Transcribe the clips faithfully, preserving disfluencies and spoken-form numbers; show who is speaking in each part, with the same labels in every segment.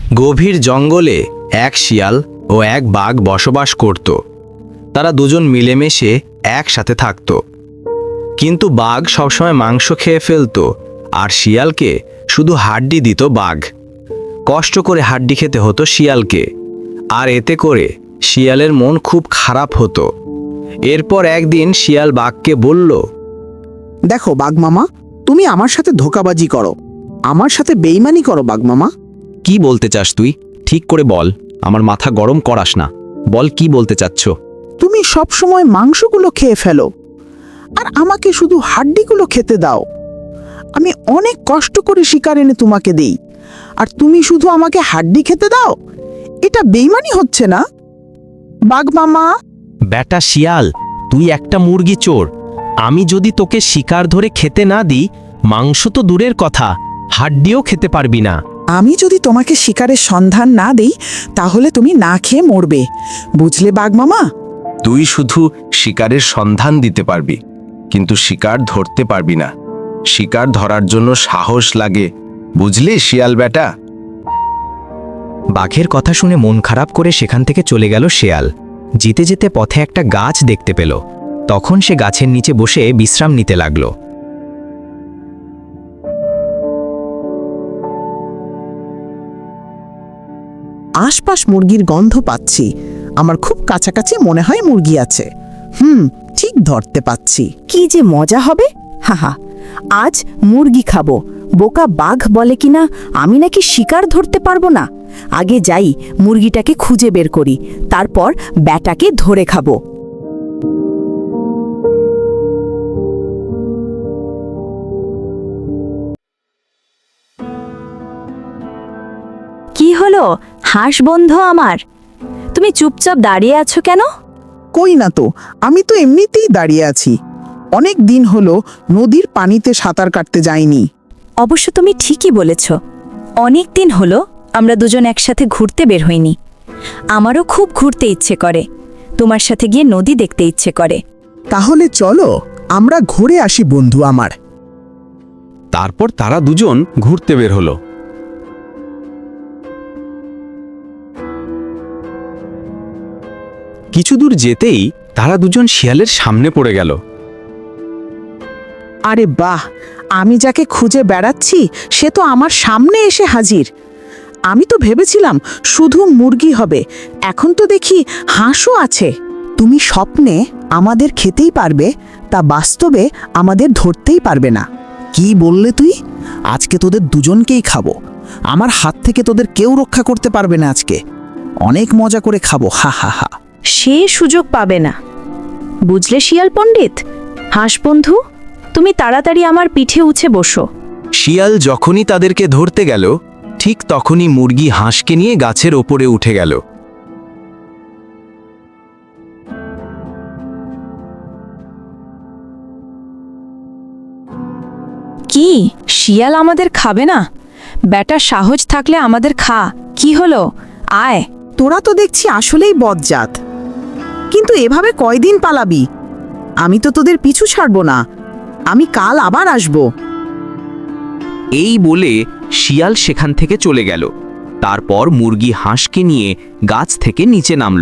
Speaker 1: গভীর জঙ্গলে এক শিয়াল ও এক বাঘ বসবাস করত। তারা দুজন মিলেমিশে একসাথে থাকত। কিন্তু বাঘ সবসময় মাংস খেয়ে ফেলত, আর শিয়ালকে শুধু হাড্ডি দিত বাঘ। কষ্ট করে হাড্ডি খেতে হতো শিয়ালকে, আর এতে করে শিয়ালের মন খুব খারাপ হতো। এরপর একদিন শিয়াল বাঘকে বলল,
Speaker 2: দেখো বাঘ মামা, তুমি আমার সাথে ধোঁকাবাজি করো, আমার সাথে বেইমানি করো বাঘ মামা।
Speaker 1: কি বলতে চাস তুই? ঠিক করে বল, আমার মাথা গরম করাস না। বল কি বলতে চাচ্ছ?
Speaker 2: তুমি সব সময় মাংসগুলো খেয়ে ফেলো, আর আমাকে শুধু হাড্ডিগুলো খেতে দাও। আমি অনেক কষ্ট করে শিকার এনে তোমাকে দেই, আর তুমি শুধু আমাকে হাড্ডি খেতে দাও। এটা বেইমানি হচ্ছে না বাঘ মামা?
Speaker 3: বেটা শিয়াল, তুই একটা মুরগি চোর। আমি যদি তোকে শিকার ধরে খেতে না দিই, মাংস তো দূরের কথা, হাড্ডিও খেতে পারবি না।
Speaker 2: আমি যদি তোমাকে শিকারের সন্ধান না দেই, তাহলে তুমি না খেয়ে মরবে, বুঝলে বাঘ মামা?
Speaker 4: তুই শুধু শিকারের সন্ধান দিতে পারবি, কিন্তু শিকার ধরতে পারবি না। শিকার ধরার জন্য সাহস লাগে, বুঝলি শিয়াল বেটা?
Speaker 1: বাঘের কথা শুনে মন খারাপ করে সেখান থেকে চলে গেল শেয়াল। যেতে যেতে পথে একটা গাছ দেখতে পেল। তখন সে গাছের নিচে বসে বিশ্রাম নিতে লাগল।
Speaker 2: আশপাশ মুরগির গন্ধ পাচ্ছি, আমার খুব কাছাকাছি মনে হয় মুরগি আছে। হুম, ঠিক ধরতে পাচ্ছি।
Speaker 5: কি যে মজা হবে! হাহা, আজ মুরগি খাবো। বোকা বাঘ বলে কিনা আমি নাকি শিকার ধরতে পারবো না। আগে যাই, মুরগিটাকে খুঁজে বের করি, তারপর ব্যাটাকে ধরে খাবো। কি হলো হাঁস বন্ধু আমার, তুমি চুপচাপ দাঁড়িয়ে আছো কেন?
Speaker 2: কই না তো, আমি তো এমনিতেই দাঁড়িয়ে আছি। অনেক দিন হলো নদীর পানিতে সাঁতার কাটতে যাইনি।
Speaker 5: অবশ্য তুমি ঠিকই বলেছ, অনেক দিন হলো আমরা দুজন একসাথে ঘুরতে বের হইনি। আমারও খুব ঘুরতে ইচ্ছে করে, তোমার সাথে গিয়ে নদী দেখতে ইচ্ছে করে।
Speaker 2: তাহলে চলো আমরা ঘুরে আসি বন্ধু আমার।
Speaker 4: তারপর তারা দুজন ঘুরতে বের হলো। কিছু দূর যেতেই তারা দুজন শিয়ালের সামনে পড়ে গেল।
Speaker 2: আরে বাহ, আমি যাকে খুঁজে বেড়াচ্ছি সে তো আমার সামনে এসে হাজির। আমি তো ভেবেছিলাম শুধু মুরগি হবে, এখন তো দেখি হাঁসও আছে। তুমি স্বপ্নে আমাদের খেতেই পারবে, তা বাস্তবে আমাদের ধরতেই পারবে না। কি বললে তুই? আজকে তোদের দুজনকেই খাবো। আমার হাত থেকে তোদের কেউ রক্ষা করতে পারবে না। আজকে অনেক মজা করে খাবো, হা হা হা।
Speaker 5: সে সুযোগ পাবে না, বুঝলে শিয়াল পণ্ডিত? হাঁস বন্ধু, তুমি তাড়াতাড়ি আমার পিঠে উঠে বসো।
Speaker 1: শিয়াল যখনই তাদেরকে ধরতে গেল, ঠিক তখনই মুরগি হাঁসকে নিয়ে গাছের ওপরে উঠে গেল।
Speaker 5: কি, শিয়াল আমাদের খাবে না? ব্যাটা সাহস থাকলে আমাদের খা। কি হলো, আয়।
Speaker 2: তোরা তো দেখছি আসলেই বজ্জাত, কিন্তু এভাবে কয়দিন পালাবি? আমি তো তোদের পিছু ছাড়বো না, আমি কাল আবার আসব।
Speaker 3: এই বলে শিয়াল সেখান থেকে চলে গেল। তারপর মুরগি হাঁসকে নিয়ে গাছ থেকে নিচে নামল।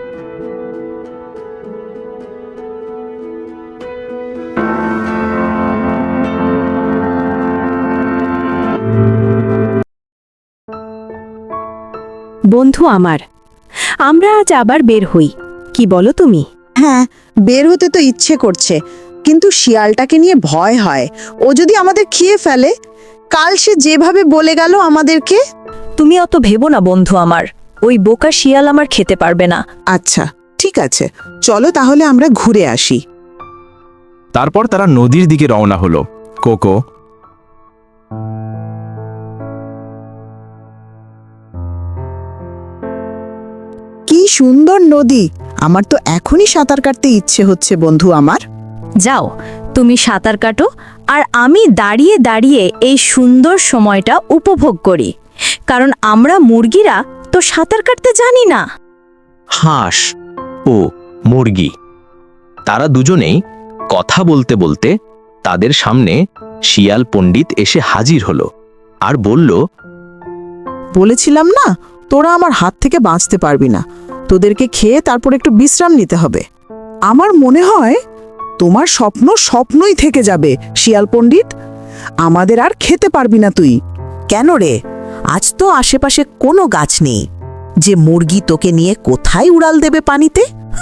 Speaker 5: বন্ধু আমার, আমরা আজ আবার বের হই, কি বলো তুমি?
Speaker 2: হ্যাঁ, বের হতে তো ইচ্ছে করছে, কিন্তু শিয়ালটাকে নিয়ে ভয় হয়। ও যদি আমাদের খেয়ে ফেলে। কাল সে যেভাবে বলে গেল আমাদেরকে।
Speaker 5: তুমি অত ভেবো না বন্ধু আমার, ওই বোকা শিয়াল আমার খেতে পারবে না।
Speaker 2: আচ্ছা ঠিক আছে, চলো তাহলে আমরা ঘুরে আসি।
Speaker 4: তারপর তারা নদীর দিকে রওনা হলো। কোকো,
Speaker 2: কি সুন্দর নদী! আমার তো এখনই সাঁতার কাটতে ইচ্ছে হচ্ছে বন্ধু আমার।
Speaker 5: যাও, তুমি সাঁতার কাটো, আর আমি দাঁড়িয়ে দাঁড়িয়ে এই সুন্দর সময়টা উপভোগ করি, কারণ আমরা মুরগিরা তো সাঁতার কাটতে জানি না।
Speaker 3: হাঁস ও মুরগি, তারা দুজনেই কথা বলতে বলতে তাদের সামনে শিয়াল পণ্ডিত এসে হাজির হলো আর বলল,
Speaker 2: বলেছিলাম না তোরা আমার হাত থেকে বাঁচতে পারবি না, তোদেরকে খেয়ে তারপর একটু বিশ্রাম নিতে হবে। আমার মনে হয় তোমার স্বপ্ন স্বপ্নই থেকে যাবে শিয়াল পণ্ডিত, আমাদের আর খেতে পারবি না তুই।
Speaker 6: কেন রে, আজ তো আশেপাশে কোনো গাছ নেই যে মুরগি তোকে নিয়ে কোথায় উড়াল দেবে পানিতে?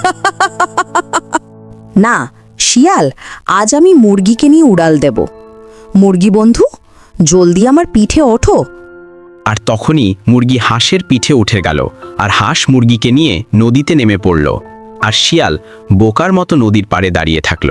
Speaker 5: না শিয়াল, আজ আমি মুরগিকে নিয়ে উড়াল দেব। মুরগি বন্ধু, জলদি আমার পিঠে ওঠো।
Speaker 1: আর তখনই মুরগি হাঁসের পিঠে উঠে গেল, আর হাঁস মুরগিকে নিয়ে নদীতে নেমে পড়ল, আর শিয়াল বোকার মতো নদীর পাড়ে দাঁড়িয়ে থাকল।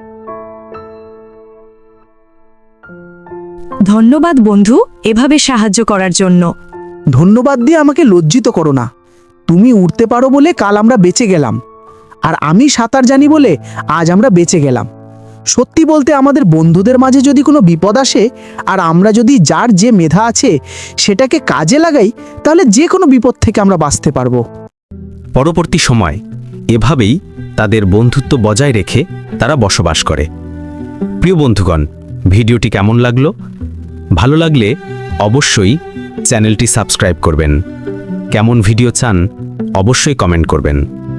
Speaker 7: ধন্যবাদ বন্ধু, এভাবে সাহায্য করার জন্য।
Speaker 2: ধন্যবাদ দিয়ে আমাকে লজ্জিত করো না। তুমি উড়তে পারো বলে কাল আমরা বেঁচে গেলাম, আর আমি সাঁতার জানি বলে আজ আমরা বেঁচে গেলাম। সত্যি বলতে আমাদের বন্ধুদের মাঝে যদি কোনো বিপদ আসে আর আমরা যদি যার যে মেধা আছে সেটাকে কাজে লাগাই, তাহলে যে কোনো বিপদ থেকে আমরা বাঁচতে পারবো।
Speaker 1: পরবর্তী সময় এভাবেই তাদের বন্ধুত্ব বজায় রেখে তারা বসবাস করে। প্রিয় বন্ধুগণ, ভিডিওটি কেমন লাগলো? ভালো লাগলে অবশ্যই চ্যানেলটি সাবস্ক্রাইব করবেন। কেমন ভিডিও চান অবশ্যই কমেন্ট করবেন।